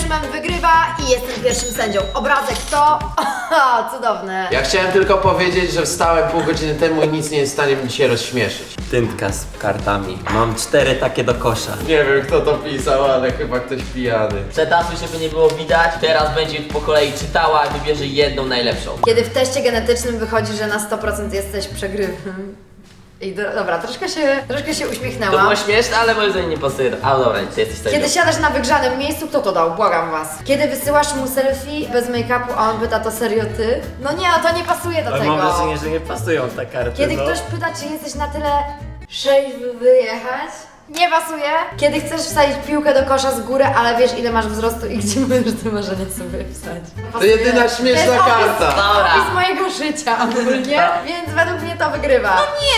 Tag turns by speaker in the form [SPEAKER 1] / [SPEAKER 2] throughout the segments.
[SPEAKER 1] Szymon wygrywa i jestem pierwszym sędzią. Obrazek to... cudowne.
[SPEAKER 2] Ja chciałem tylko powiedzieć, że wstałem pół godziny temu i nic nie jest w stanie mnie dzisiaj rozśmieszyć.
[SPEAKER 3] Tyntka z kartami. Mam 4 takie do kosza.
[SPEAKER 2] Nie wiem kto to pisał, ale chyba ktoś pijany.
[SPEAKER 4] Przetasuj, żeby nie było widać. Teraz będzie po kolei czytała i wybierze jedną najlepszą.
[SPEAKER 1] Kiedy w teście genetycznym wychodzi, że na 100% jesteś przegrywem. I dobra, troszkę się
[SPEAKER 4] To
[SPEAKER 1] uśmiechnęłam.
[SPEAKER 4] było śmieszne, ale moim zdaniem nie pasuje. A dobra, ty jesteś sędzią.
[SPEAKER 1] Kiedy siadasz na wygrzanym miejscu, kto to dał? Błagam was. Kiedy wysyłasz mu selfie bez make-upu, a on pyta, to serio ty? No nie, to nie pasuje do
[SPEAKER 3] Ale
[SPEAKER 1] tego.
[SPEAKER 3] mam wrażenie, że nie pasują te karty.
[SPEAKER 1] Kiedy
[SPEAKER 3] no.
[SPEAKER 1] ktoś pyta, czy jesteś na tyle szejf, by wyjechać? Nie pasuje. Kiedy chcesz wsadzić piłkę do kosza z góry, ale wiesz ile masz wzrostu i gdzie możesz te marzenie sobie wsadzić.
[SPEAKER 2] To jedyna śmieszna
[SPEAKER 1] To jest
[SPEAKER 2] karta.
[SPEAKER 4] Dobra.
[SPEAKER 1] opis mojego życia ogólnie, więc według mnie to wygrywa.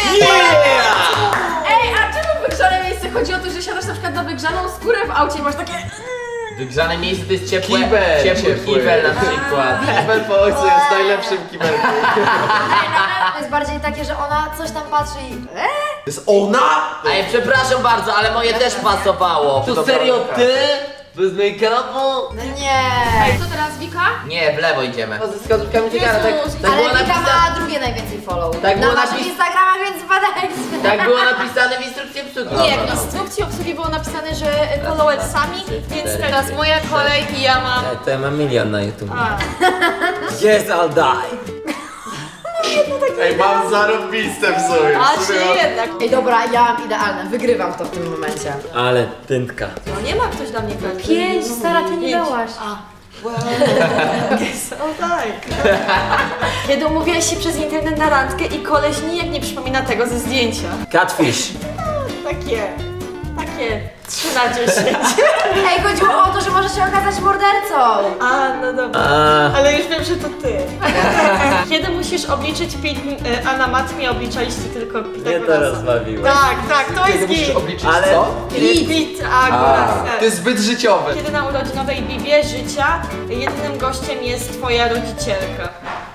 [SPEAKER 5] Ej, a czemu wygrzane miejsce? Chodzi o to, że siadasz na przykład na wygrzaną skórę w aucie i masz takie...
[SPEAKER 4] Wygrzane miejsce to jest ciepłe.
[SPEAKER 2] Kibel
[SPEAKER 4] ciepły
[SPEAKER 2] ciepły.
[SPEAKER 4] kibel na przykład.
[SPEAKER 2] Kibel po ojcu jest najlepszym kibelkiem.
[SPEAKER 1] To jest bardziej takie, że ona coś tam patrzy i...
[SPEAKER 2] To jest ona?
[SPEAKER 4] Ej, przepraszam bardzo, ale moje też pasowało. To
[SPEAKER 2] To
[SPEAKER 4] serio
[SPEAKER 2] prawda.
[SPEAKER 4] ty? Bez make-upu?
[SPEAKER 1] Nie.
[SPEAKER 5] Ej, co teraz, Wika?
[SPEAKER 4] Nie, w lewo idziemy.
[SPEAKER 2] Ze wskazówkami Cygara, tak,
[SPEAKER 5] Jezus.
[SPEAKER 4] tak było
[SPEAKER 1] Ale Wika
[SPEAKER 4] napisane.
[SPEAKER 1] ma drugie najwięcej follow.
[SPEAKER 4] Tak
[SPEAKER 1] na
[SPEAKER 4] było
[SPEAKER 1] naszych
[SPEAKER 4] napis-
[SPEAKER 1] Instagramach, więc wpadajcie.
[SPEAKER 4] Tak było napisane w instrukcji obsługi.
[SPEAKER 5] Nie, w instrukcji obsługi było napisane, że followersami, więc teraz moja kolej i ja mam...
[SPEAKER 3] To ja mam milion na YouTube.
[SPEAKER 5] A.
[SPEAKER 3] Yes, I'll die.
[SPEAKER 2] Ej, mam zarobiste w sobie.
[SPEAKER 5] A
[SPEAKER 2] W
[SPEAKER 5] czy
[SPEAKER 2] sumie mam-
[SPEAKER 5] jednak?
[SPEAKER 1] Ej dobra, ja mam idealne, wygrywam to w tym momencie.
[SPEAKER 3] Ale tyntka.
[SPEAKER 5] No nie ma ktoś dla mnie karty.
[SPEAKER 1] 5, stara, ty nie
[SPEAKER 5] Pięć.
[SPEAKER 1] dałaś.
[SPEAKER 5] O tak. Kiedy umówiłaś się przez internet na randkę i koleś nijak nie przypomina tego ze zdjęcia.
[SPEAKER 3] Catfish.
[SPEAKER 5] Takie 3 na 10.
[SPEAKER 1] Ej, chodziło o to, że może się okazać mordercą.
[SPEAKER 5] A, no dobra.
[SPEAKER 3] A,
[SPEAKER 5] Ale już wiem, że to ty. Kiedy musisz obliczyć pi, a na matmie obliczaliście tylko
[SPEAKER 3] mnie to
[SPEAKER 5] Pitagorasa.
[SPEAKER 3] rozbawiło.
[SPEAKER 5] Tak, to
[SPEAKER 2] Kiedy
[SPEAKER 5] jest
[SPEAKER 2] musisz
[SPEAKER 5] git.
[SPEAKER 2] obliczyć
[SPEAKER 3] Ale-
[SPEAKER 2] co?
[SPEAKER 5] Pitagoras.
[SPEAKER 2] To jest zbyt życiowe.
[SPEAKER 5] Kiedy na urodzinowej Bibie życia jedynym gościem jest twoja rodzicielka.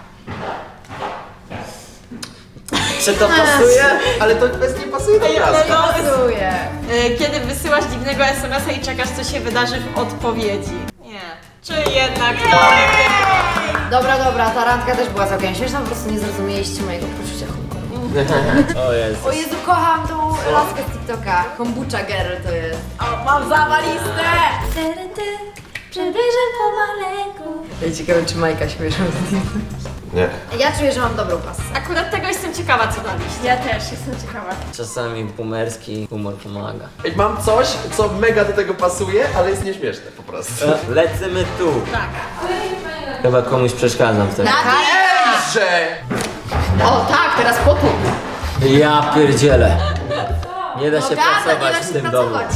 [SPEAKER 3] Czy to pasuje?
[SPEAKER 2] Ale to bez nie pasuje do obrazku.
[SPEAKER 5] No,
[SPEAKER 1] Pasuje.
[SPEAKER 5] kiedy wysyłasz dziwnego SMS-a i czekasz, co się wydarzy w odpowiedzi. Nie. Czy jednak to
[SPEAKER 1] Dobra, ta randka też była całkiem śmieszna, po prostu nie zrozumieliście mojego poczucia humoru.
[SPEAKER 3] O Jezus.
[SPEAKER 1] O Jezu, kocham tą laskę z TikToka. Kombucha girl to jest. O, mam zawalistę! Przybliżam pomaleńku. Ja ciekawe, czy Majka śmieszą z nim.
[SPEAKER 2] Nie.
[SPEAKER 1] Ja czuję, że mam dobrą pasę.
[SPEAKER 5] Akurat tego jestem ciekawa, co daliście. Ja też jestem ciekawa.
[SPEAKER 3] Czasami boomerski humor pomaga.
[SPEAKER 2] Ej, mam coś, co mega do tego pasuje, ale jest nieśmieszne po prostu.
[SPEAKER 3] Lecimy tu.
[SPEAKER 5] Tak.
[SPEAKER 3] Chyba komuś przeszkadzam w tym.
[SPEAKER 2] Że...
[SPEAKER 1] O tak, teraz potłup.
[SPEAKER 3] Ja pierdzielę. Nie da się
[SPEAKER 1] Gada, nie
[SPEAKER 3] pracować
[SPEAKER 1] da
[SPEAKER 3] w
[SPEAKER 1] się
[SPEAKER 3] tym domu.
[SPEAKER 1] pracować.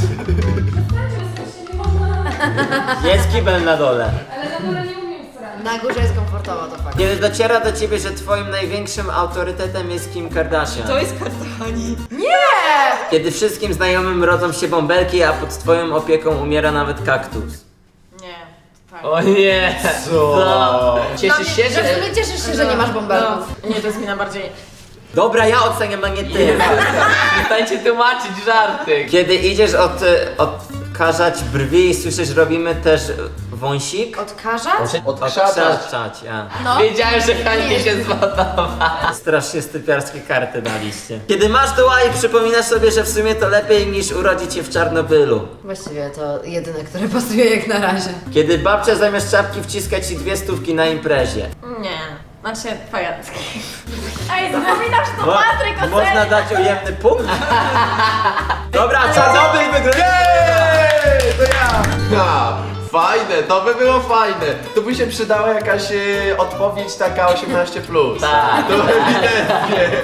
[SPEAKER 3] Jest kibel na dole.
[SPEAKER 1] Na górze jest komfortowo, to fakt.
[SPEAKER 3] Kiedy dociera do ciebie, że twoim największym autorytetem jest Kim Kardashian.
[SPEAKER 5] To jest kartoni.
[SPEAKER 3] Kiedy wszystkim znajomym rodzą się bąbelki, a pod twoją opieką umiera nawet kaktus.
[SPEAKER 5] Nie. Tak.
[SPEAKER 4] O nie! Co? Cieszysz się,
[SPEAKER 1] Że w sumie cieszysz się, że nie masz bąbelków.
[SPEAKER 5] Nie, to jest mina bardziej.
[SPEAKER 3] Dobra, ja oceniam, a nie ty.
[SPEAKER 4] Przestańcie tłumaczyć żarty.
[SPEAKER 3] Kiedy idziesz odkażać brwi i słyszysz, robimy też wąsik?
[SPEAKER 1] Odkażać?
[SPEAKER 3] Odkażać, ja.
[SPEAKER 5] No.
[SPEAKER 4] Wiedziałem, że Hańkie się zładowa.
[SPEAKER 3] Strasznie stypiarskie karty daliście. Kiedy masz doła i przypominasz sobie, że w sumie to lepiej niż urodzić się w Czarnobylu.
[SPEAKER 1] Właściwie to jedyne, które pasuje jak na razie.
[SPEAKER 3] Kiedy babcia zamiast czapki wciska ci 2 stówki na imprezie.
[SPEAKER 5] Nie. Znaczy, pajacki. Ej, zapominasz, że to
[SPEAKER 3] Mo-
[SPEAKER 5] Patryk ocenia.
[SPEAKER 3] Można dać ujemny punkt? Dobra, Czarnobyl wygrywa!
[SPEAKER 2] Jej, to ja! Ha, fajne, to by było fajne. Tu by się przydała jakaś odpowiedź taka 18+.
[SPEAKER 4] Tak.
[SPEAKER 2] To ewidentnie.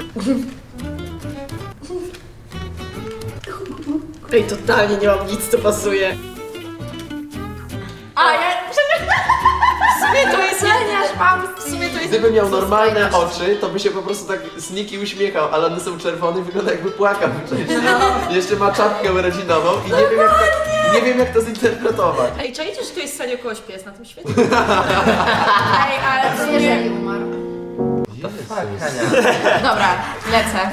[SPEAKER 5] Ej, totalnie nie mam nic, co pasuje. A ja... W sumie to jest... W sumie to jest...
[SPEAKER 2] Gdyby miał normalne oczy, to by się po prostu tak sniki uśmiechał, ale one są czerwone i wygląda jakby płakał wcześniej. Jeszcze ma czapkę urodzinową i nie wiem jak to zinterpretować.
[SPEAKER 5] Ej, czajcie, że tu jest serio kogoś pies na tym świecie?
[SPEAKER 1] Ej, ale to jeżeli umarł.
[SPEAKER 5] Dobra, lecę.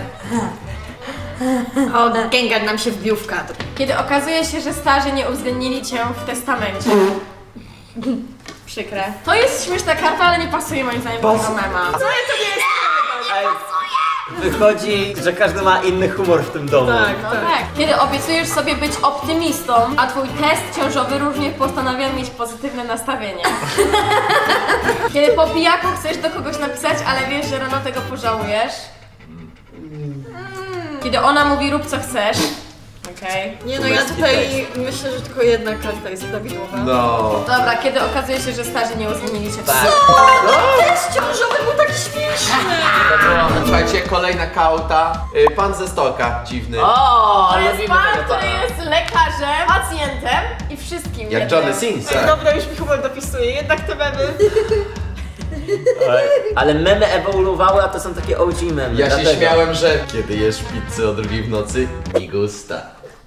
[SPEAKER 5] O, Gengar nam się wbił w kadr. Kiedy okazuje się, że starzy nie uwzględnili cię w testamencie. Przykre. To jest śmieszna karta, ale nie pasuje moim zdaniem do tego mema. Co to nie jest?
[SPEAKER 3] Ej, wychodzi, że każdy ma inny humor w tym domu.
[SPEAKER 5] Tak. Kiedy obiecujesz sobie być optymistą, a twój test ciążowy różnie postanawia mieć pozytywne nastawienie. Kiedy po pijaku chcesz do kogoś napisać, ale wiesz, że rano tego pożałujesz. Kiedy ona mówi rób co chcesz. Okej.
[SPEAKER 6] Nie no, ja tutaj myślę, że tylko jedna karta jest prawidłowa.
[SPEAKER 2] No.
[SPEAKER 5] Dobra, kiedy okazuje się, że starzy nie uwzględnili cię w
[SPEAKER 4] Tak.
[SPEAKER 6] Test ciążowy był taki śmieszny!
[SPEAKER 4] To było...
[SPEAKER 2] Słuchajcie, kolejna kauta. Pan ze stoka, dziwny.
[SPEAKER 4] O,
[SPEAKER 5] To jest
[SPEAKER 4] lubimy
[SPEAKER 5] pan,
[SPEAKER 4] tego
[SPEAKER 5] który
[SPEAKER 4] pana.
[SPEAKER 5] jest lekarzem, pacjentem i wszystkim.
[SPEAKER 2] Jak
[SPEAKER 5] jednym.
[SPEAKER 2] Johnny Sins.
[SPEAKER 6] Ej, dobra, już mi chyba dopisuje, jednak te memy.
[SPEAKER 3] Ej, ale memy ewoluowały, a to są takie OG memy.
[SPEAKER 2] Ja się
[SPEAKER 3] dlatego.
[SPEAKER 2] śmiałem, że kiedy jesz pizzę o 2 w nocy, mi gusta.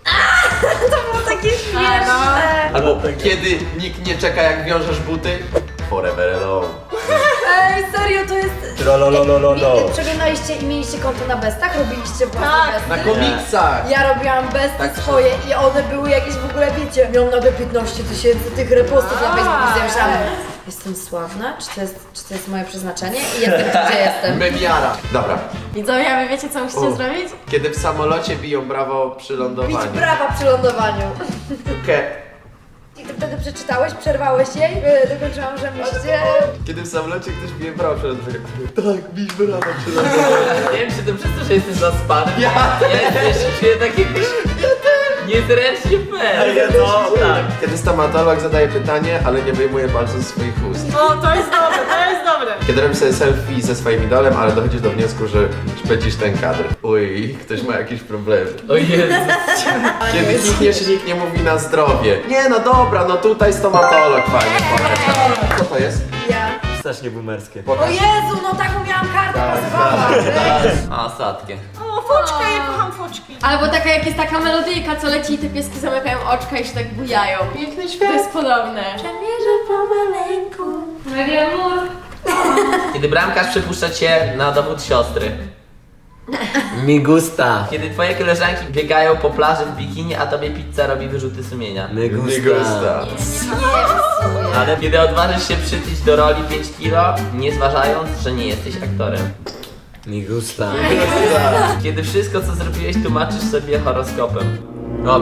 [SPEAKER 2] Albo kiedy nikt nie czeka jak wiążesz buty, forever alone.
[SPEAKER 1] Ej, serio, to jest...
[SPEAKER 3] Trololololo.
[SPEAKER 1] Przeglądaliście i mieliście konto na bestach? Robiliście własne besty?
[SPEAKER 2] Na komiksach!
[SPEAKER 1] Ja robiłam besty
[SPEAKER 2] Tak,
[SPEAKER 1] swoje i one były jakieś w ogóle, wiecie, miałam nagle 15 000 tych repostów na Facebooku i ja myślałam, jestem sławna? Czy to jest moje przeznaczenie? I jestem tu, gdzie jestem.
[SPEAKER 2] Memiara. Dobra.
[SPEAKER 5] Widzowie, a wy wiecie co musicie zrobić?
[SPEAKER 2] Kiedy w samolocie biją brawo przy
[SPEAKER 1] Bić
[SPEAKER 2] lądowaniu.
[SPEAKER 1] brawa przy lądowaniu.
[SPEAKER 2] Ke-
[SPEAKER 1] I ty wtedy przeczytałeś, przerwałeś jej, dokończyłam, że musicie...
[SPEAKER 2] Kiedy w samolocie ktoś bije brawo przy lądowaniu. Tak, bić brawo przy lądowaniu.
[SPEAKER 4] Nie wiem, czy to przez to, że jesteś zaspany.
[SPEAKER 2] Ja.
[SPEAKER 4] Ja też czuję takie... Niezręcznie fair.
[SPEAKER 3] No, tak.
[SPEAKER 2] Kiedy stomatolog zadaje pytanie, ale nie wyjmuje palców z swoich ust.
[SPEAKER 6] O, to jest dobre, to jest dobre.
[SPEAKER 2] Kiedy robisz sobie selfie ze swoim idolem, ale dochodzisz do wniosku, że szpecisz ten kadr. Uj, ktoś ma jakieś problemy.
[SPEAKER 4] O Jezu.
[SPEAKER 2] Kiedy klikniesz i nikt nie mówi na zdrowie. Nie no dobra, no tutaj stomatolog fajnie. Co to jest?
[SPEAKER 1] Ja.
[SPEAKER 3] Strasznie boomerskie.
[SPEAKER 1] O Jezu, no taką miałam kartę, pasowała.
[SPEAKER 4] A, sadkie.
[SPEAKER 6] O, foczka, ja kocham foczki.
[SPEAKER 5] Albo taka jak jest taka melodyjka, co leci i te pieski zamykają oczka i się tak bujają. Piękny świat. To jest podobne. Przemierzę pomaleńku. Glamour.
[SPEAKER 4] Kiedy bramkarz przepuszcza cię na dowód siostry.
[SPEAKER 3] Mi gusta.
[SPEAKER 4] Kiedy twoje koleżanki biegają po plaży w bikini, a tobie pizza robi wyrzuty sumienia.
[SPEAKER 3] Mi gusta.
[SPEAKER 2] Nie gusta.
[SPEAKER 4] Ale kiedy odważysz się przytyć do roli 5 kilo, nie zważając, że nie jesteś aktorem.
[SPEAKER 3] Mi gusta.
[SPEAKER 4] Kiedy wszystko co zrobiłeś tłumaczysz sobie horoskopem. O,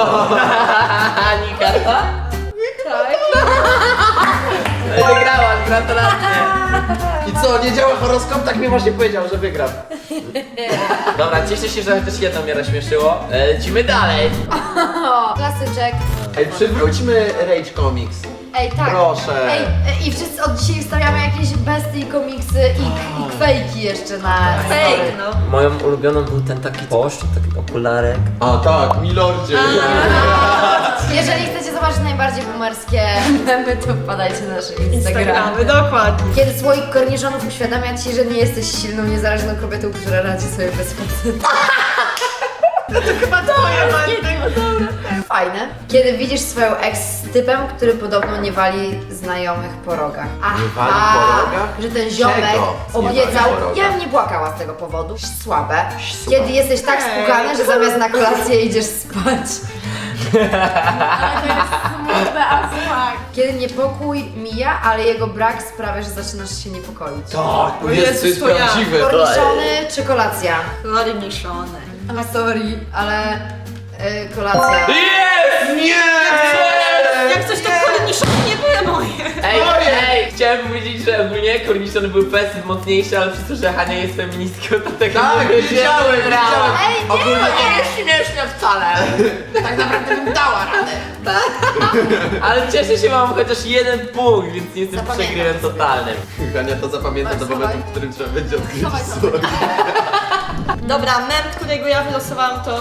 [SPEAKER 4] Nikarta?
[SPEAKER 1] Tak.
[SPEAKER 4] Wygrałaś, gratulacje.
[SPEAKER 2] I co, nie działa horoskop? Tak mi właśnie powiedział, że wygram.
[SPEAKER 4] Dobra, cieszę się, że chociaż jedno mnie rozśmieszyło. Lecimy dalej.
[SPEAKER 1] O, klasyczek.
[SPEAKER 2] Ej, przywróćmy Rage Comics.
[SPEAKER 1] Ej, tak.
[SPEAKER 2] Proszę.
[SPEAKER 1] Ej, i wszyscy od dzisiaj wstawiamy jakieś besty i komiksy i fejki jeszcze na
[SPEAKER 6] Fake,
[SPEAKER 1] story.
[SPEAKER 6] no.
[SPEAKER 3] Moją ulubioną był ten taki płaszcz, taki okularek.
[SPEAKER 2] A tak, milordzie.
[SPEAKER 1] Jeżeli chcecie zobaczyć najbardziej boomerskie memy, to wpadajcie na nasze Instagramy.
[SPEAKER 6] Instagramy, dokładnie.
[SPEAKER 1] Kiedy słoik korniszonów uświadamia ci, że nie jesteś silną, niezależną kobietą, która radzi sobie bez faceta.
[SPEAKER 6] Chyba twoje, Bartek.
[SPEAKER 1] Fajne. Kiedy widzisz swoją ex z typem, który podobno nie wali znajomych po rogach.
[SPEAKER 2] Nie wali po rogach?
[SPEAKER 1] Że ten ziomek
[SPEAKER 2] Czego? Nie
[SPEAKER 1] obiecał.
[SPEAKER 2] wali po rogach?
[SPEAKER 1] Ja bym nie płakała z tego powodu. Słabe. Kiedy jesteś tak spłukany, że zamiast na kolację idziesz spać.
[SPEAKER 5] Ale to jest smutne, a smak.
[SPEAKER 1] Kiedy niepokój mija, ale jego brak sprawia, że zaczynasz się niepokoić.
[SPEAKER 2] Tak, to jest
[SPEAKER 6] Jezus, to ja.
[SPEAKER 2] prawdziwe.
[SPEAKER 1] Korniszony czy kolacja?
[SPEAKER 6] Korniszone.
[SPEAKER 1] Sorry, ale kolacja.
[SPEAKER 2] Nie!
[SPEAKER 6] Jak coś to korniszone nie były moje.
[SPEAKER 4] Ej, chciałem powiedzieć, że ogólnie korniszony był fest mocniejszy, ale przez to, że Hania jest feministką, to tego
[SPEAKER 2] Tak,
[SPEAKER 4] nie
[SPEAKER 2] widziałem.
[SPEAKER 1] Ej, nie!
[SPEAKER 2] Ogólnie
[SPEAKER 4] nie jest śmieszne wcale. Tak naprawdę bym dała radę. Ale cieszę się, mam chociaż jeden punkt, więc nie jestem
[SPEAKER 1] Zapamiętam
[SPEAKER 4] przegrywem
[SPEAKER 1] sobie.
[SPEAKER 4] totalnym.
[SPEAKER 2] Hania to zapamięta do
[SPEAKER 1] Schowaj.
[SPEAKER 2] momentu, w którym trzeba będzie odkryć
[SPEAKER 1] Schowaj,
[SPEAKER 2] słowo.
[SPEAKER 6] Dobra, mem, którego ja wylosowałam to...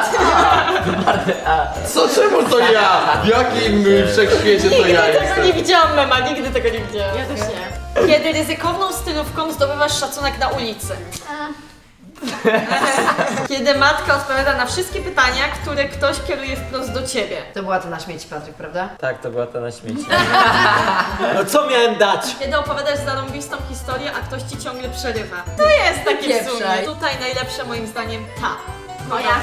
[SPEAKER 2] Co, czemu to ja? W jakim wszechświecie to
[SPEAKER 6] Nigdy
[SPEAKER 2] ja
[SPEAKER 6] tego
[SPEAKER 2] jestem?
[SPEAKER 6] nie widziałam mema, nigdy tego nie widziałam.
[SPEAKER 5] Ja też nie.
[SPEAKER 6] Kiedy ryzykowną stylówką zdobywasz szacunek na ulicy. Kiedy matka odpowiada na wszystkie pytania, które ktoś kieruje wprost do ciebie.
[SPEAKER 1] To była to na śmieci, Patryk, prawda?
[SPEAKER 3] Tak, to była ta na śmieci. No co miałem dać?
[SPEAKER 6] Kiedy opowiadasz zarąbistą historię, a ktoś ci ciągle przerywa. To jest takie w sumie.
[SPEAKER 1] Pieprzaj.
[SPEAKER 6] Tutaj najlepsze moim zdaniem ta.
[SPEAKER 5] Moja.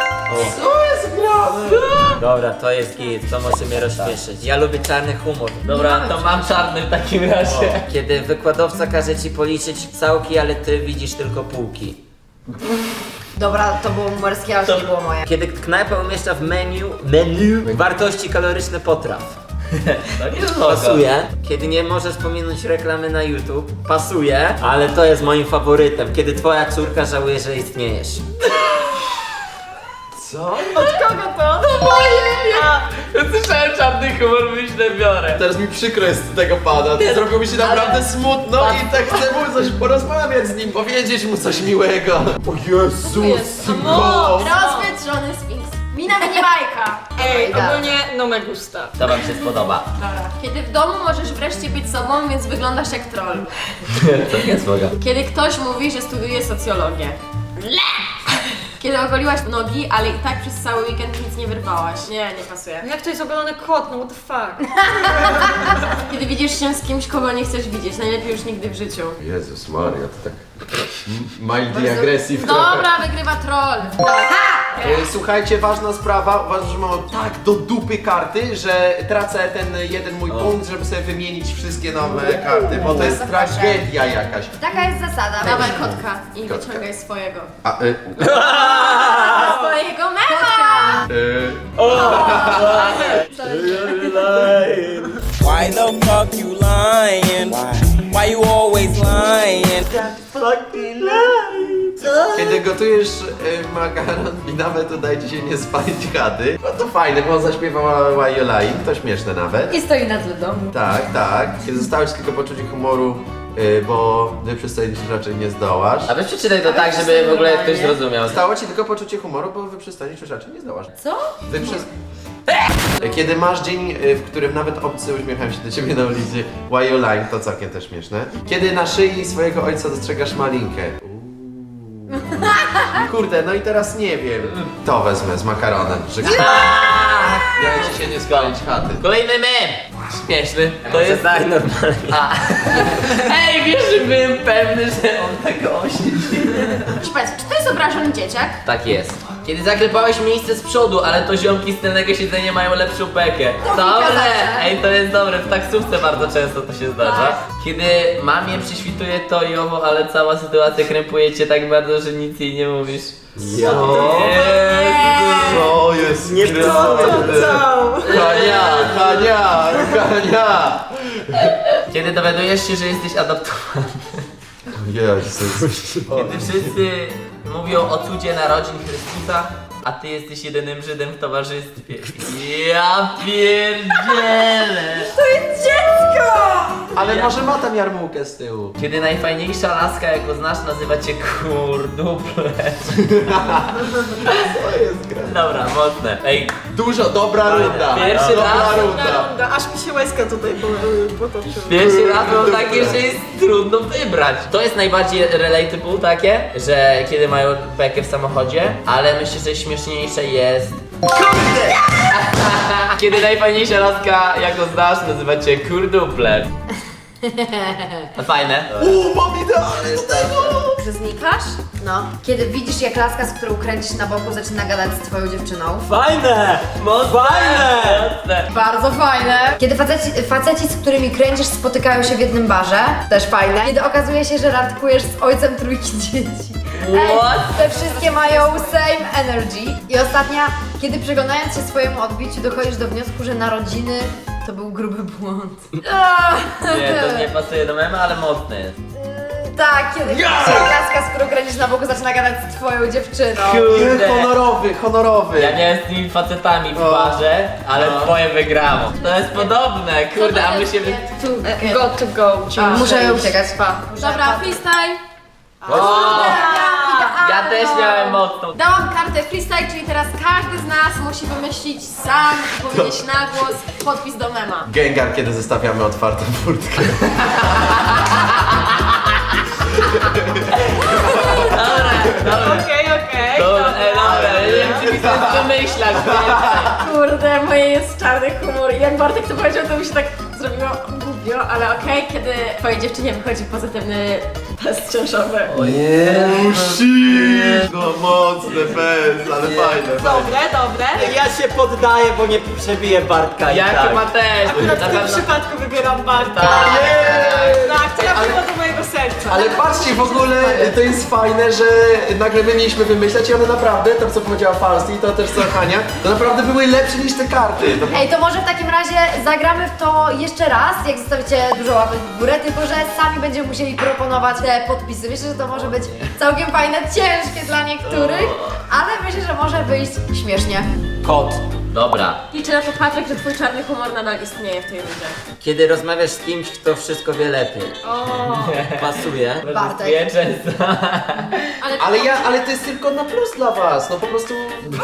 [SPEAKER 3] Dobra, to jest git, to może mnie rozśmieszyć. Ja lubię czarny humor.
[SPEAKER 4] Dobra, to mam czarny w takim razie.
[SPEAKER 3] Kiedy wykładowca każe ci policzyć całki, ale ty widzisz tylko półki.
[SPEAKER 1] Dobra, to było numerskie, ale to nie było moje.
[SPEAKER 3] Kiedy knajpa umieszcza w menu wartości kaloryczne potraw.
[SPEAKER 4] To nie
[SPEAKER 3] Pasuje. Kiedy nie możesz pominąć reklamy na YouTube. Pasuje, ale to jest moim faworytem. Kiedy twoja córka żałuje, że istniejesz.
[SPEAKER 2] Co?
[SPEAKER 6] Od kogo to?
[SPEAKER 4] Słyszałem czarny humor, myślę, biorę.
[SPEAKER 2] Teraz mi przykro jest z tego pana. Zrobiło mi się naprawdę smutno i tak chcę mu coś porozmawiać z nim, powiedzieć mu coś miłego. O Jezus!
[SPEAKER 6] No,
[SPEAKER 5] Rozwietrzony Sphinx. Mina minimajka.
[SPEAKER 6] Ej,
[SPEAKER 1] Dobra.
[SPEAKER 6] ogólnie no me gusta.
[SPEAKER 4] To wam się spodoba.
[SPEAKER 5] Dobra. Kiedy w domu możesz wreszcie być sobą, więc wyglądasz jak troll.
[SPEAKER 4] To nie słoga.
[SPEAKER 5] Kiedy ktoś mówi, że studiuje socjologię. Kiedy ogoliłaś nogi, ale i tak przez cały weekend nic nie wyrwałaś. Nie, nie pasuje.
[SPEAKER 6] Jak to jest ogolony kot, no what the fuck?
[SPEAKER 5] Kiedy widzisz się z kimś, kogo nie chcesz widzieć, najlepiej już nigdy w życiu.
[SPEAKER 2] Jezus Maria, to tak mildly aggressive trochę.
[SPEAKER 5] Dobra, wygrywa troll.
[SPEAKER 2] Słuchajcie, ważna sprawa, uważam, że mam tak do dupy karty, że tracę ten jeden mój punkt, żeby sobie wymienić wszystkie nowe karty, bo to jest tragedia jakaś.
[SPEAKER 1] Taka jest zasada.
[SPEAKER 5] Dawaj kotka i
[SPEAKER 2] Kotka.
[SPEAKER 5] wyciągaj swojego.
[SPEAKER 2] A,
[SPEAKER 5] Swojego mema!
[SPEAKER 7] Why the fuck you lying? Why you always lying?
[SPEAKER 2] Kiedy gotujesz makaron i nawet udaje ci się nie spalić chaty, no to fajne, bo on zaśpiewał Why You Lying, to śmieszne nawet.
[SPEAKER 1] I stoi na tle domu.
[SPEAKER 2] Tak, tak. Kiedy zostałeś tylko poczucie humoru, bo wyprzystanić raczej nie zdołasz.
[SPEAKER 4] A weź przeczytaj to tak, żeby w ogóle ktoś zrozumiał.
[SPEAKER 2] Stało ci tylko poczucie humoru, bo wyprzystanić już raczej nie zdołasz.
[SPEAKER 1] Co?
[SPEAKER 2] Kiedy masz dzień, w którym nawet obcy uśmiechają się do ciebie na ulicy, Why You Lying, to całkiem też śmieszne. Kiedy na szyi swojego ojca dostrzegasz malinkę. Kurde, no i teraz nie wiem. To wezmę z makaronem, że ja ci się nie spalić chaty.
[SPEAKER 4] Kolejny mem! Śmieszny. To
[SPEAKER 3] Może
[SPEAKER 4] jest...
[SPEAKER 3] daj normalnie.
[SPEAKER 4] A. Ej, wiesz, że byłem pewny, że on tego oświeci.
[SPEAKER 5] Proszę Państwa, czy to jest obrażony dzieciak?
[SPEAKER 4] Tak jest. Kiedy zaklepałeś miejsce z przodu, ale to ziomki z tylnego siedzenia mają lepszą bekę. Dobre! Ej, to jest dobre, w taksówce bardzo często to się zdarza. Kiedy mamie przyśwituje to i owo, ale cała sytuacja krępuje cię tak bardzo, że nic jej nie mówisz.
[SPEAKER 2] Co jest
[SPEAKER 3] Nie
[SPEAKER 2] Hania!
[SPEAKER 4] Kiedy dowiadujesz się, że jesteś adoptowany.
[SPEAKER 2] Jezus.
[SPEAKER 4] Kiedy wszyscy mówią o cudzie narodzin Chrystusa, a ty jesteś jedynym Żydem w towarzystwie. Ja pierdzielę!
[SPEAKER 2] Ale może ma tam jarmułkę z tyłu.
[SPEAKER 4] Kiedy najfajniejsza laska, jaką znasz, nazywa cię kurduple.
[SPEAKER 2] To jest gra.
[SPEAKER 4] Dobra, mocne. Ej,
[SPEAKER 2] Dużo, dobra runda.
[SPEAKER 4] Pierwszy
[SPEAKER 2] Dobra
[SPEAKER 4] raz.
[SPEAKER 2] runda.
[SPEAKER 6] Aż mi się łezka tutaj potoczyła.
[SPEAKER 4] pierwszy raz mam takie, że jest trudno wybrać. To jest najbardziej relatable takie, że kiedy mają bekę w samochodzie, ale myślę, że śmieszniejsze jest... Kurde! Kiedy najfajniejsza laska, jaką znasz, nazywa cię kurduple. No fajne.
[SPEAKER 2] Mam idealny do tego.
[SPEAKER 1] Że znikasz? No. Kiedy widzisz, jak laska, z którą kręcisz na boku, zaczyna gadać z twoją dziewczyną.
[SPEAKER 3] Fajne! Fajne!
[SPEAKER 4] Mocne.
[SPEAKER 1] Bardzo fajne. Kiedy faceci, z którymi kręcisz, spotykają się w jednym barze. Też fajne. Kiedy okazuje się, że randkujesz z ojcem trójki dzieci.
[SPEAKER 4] What?
[SPEAKER 1] Te wszystkie mają same energy. I ostatnia, kiedy przyglądając się swojemu odbiciu, dochodzisz do wniosku, że narodziny to był gruby błąd.
[SPEAKER 4] Nie, to nie pasuje do mema, ale mocne jest.
[SPEAKER 1] Tak, kiedy widzisz, jak laska, z którą kręcisz na boku, zaczyna gadać z twoją dziewczyną.
[SPEAKER 4] Kurde.
[SPEAKER 2] Honorowy.
[SPEAKER 4] Ja miałem z tymi facetami w barze, ale twoje wygrało. To jest podobne, kurde, a my się...
[SPEAKER 6] Got to go.
[SPEAKER 1] Muszę uciekać.
[SPEAKER 5] Dobra, freestyle.
[SPEAKER 4] Ja też miałem mocną.
[SPEAKER 5] Dałam kartę freestyle, czyli teraz każdy z nas musi wymyślić sam i powiedzieć na głos podpis do mema.
[SPEAKER 2] Gengar, kiedy zostawiamy otwartą furtkę.
[SPEAKER 6] Okej.
[SPEAKER 4] Dobra, nie wiem, czy mi to jest wymyślać.
[SPEAKER 5] Kurde, moje jest czarny humor i jak Bartek to powiedział, to mi się tak zrobiło głupio, ale okej, kiedy twojej dziewczynie wychodzi pozytywny
[SPEAKER 6] test ciążowy.
[SPEAKER 2] Nie musisz! No mocne, bez, ale fajne.
[SPEAKER 6] Dobre, dobre.
[SPEAKER 3] Ja się poddaję, bo nie przebiję Bartka i
[SPEAKER 4] Ja
[SPEAKER 3] tak.
[SPEAKER 4] chyba też.
[SPEAKER 6] Akurat
[SPEAKER 4] Na
[SPEAKER 6] w tym
[SPEAKER 4] pewno.
[SPEAKER 6] przypadku wybieram Bartka. Tak, trafiło do mojego serca.
[SPEAKER 2] Ale patrzcie, w ogóle to jest fajne, że nagle my mieliśmy wymyślać i one naprawdę, to co powiedziała Falsi, to też co Hania, to naprawdę były lepsze niż te karty. To
[SPEAKER 1] Ej, to może w takim razie zagramy w to jeszcze raz, jak zostawicie dużo łapek w górę, tylko że sami będziemy musieli proponować te podpisy. Myślę, że to może być całkiem fajne, ciężkie dla niektórych, ale myślę, że może wyjść śmiesznie.
[SPEAKER 3] Kot.
[SPEAKER 4] Dobra.
[SPEAKER 5] Liczę na to, Patryk, że twój czarny humor nadal istnieje w tej rundzie.
[SPEAKER 3] Kiedy rozmawiasz z kimś, kto wszystko wie lepiej. Pasuje.
[SPEAKER 1] Bartek.
[SPEAKER 4] Ja często.
[SPEAKER 2] Ale to jest tylko na plus dla was, no po prostu...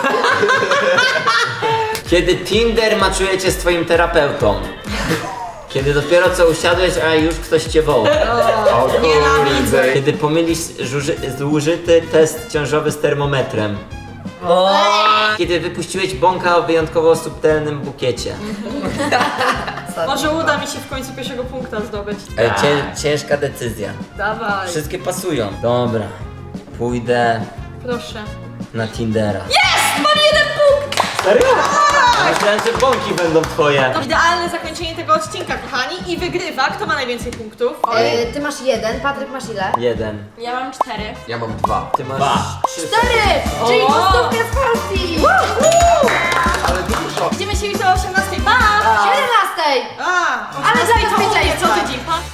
[SPEAKER 3] Kiedy Tinder maczujecie z twoim terapeutą. Kiedy dopiero co usiadłeś, a już ktoś cię woła.
[SPEAKER 2] O kurde.
[SPEAKER 3] Kiedy pomylisz zużyty test ciążowy z termometrem. Kiedy wypuściłeś bąka o wyjątkowo subtelnym bukiecie.
[SPEAKER 6] Może uda mi się w końcu pierwszego punkta zdobyć.
[SPEAKER 3] Ciężka decyzja.
[SPEAKER 6] Dawaj,
[SPEAKER 3] Wszystkie pasują. Dobra. Pójdę
[SPEAKER 6] proszę.
[SPEAKER 3] na Tindera. Mam 1 punkt! Serio? Myślałem, że bąki będą twoje.
[SPEAKER 6] To idealne zakończenie tego odcinka, kochani. I wygrywa, kto ma najwięcej punktów.
[SPEAKER 1] Ty masz 1, Patryk masz ile?
[SPEAKER 3] 1.
[SPEAKER 5] Ja mam 4.
[SPEAKER 2] Ja mam 2.
[SPEAKER 3] Ty masz 3.
[SPEAKER 1] 4! Czyli pustówkę z Polski!
[SPEAKER 2] Ale dużo.
[SPEAKER 6] Widzimy się jutro o 18:00. Pa!
[SPEAKER 1] 17!
[SPEAKER 6] A,
[SPEAKER 1] Ale
[SPEAKER 6] o 18:00
[SPEAKER 1] zabezpieczaj
[SPEAKER 6] co
[SPEAKER 1] spać.
[SPEAKER 6] tydzień, pa!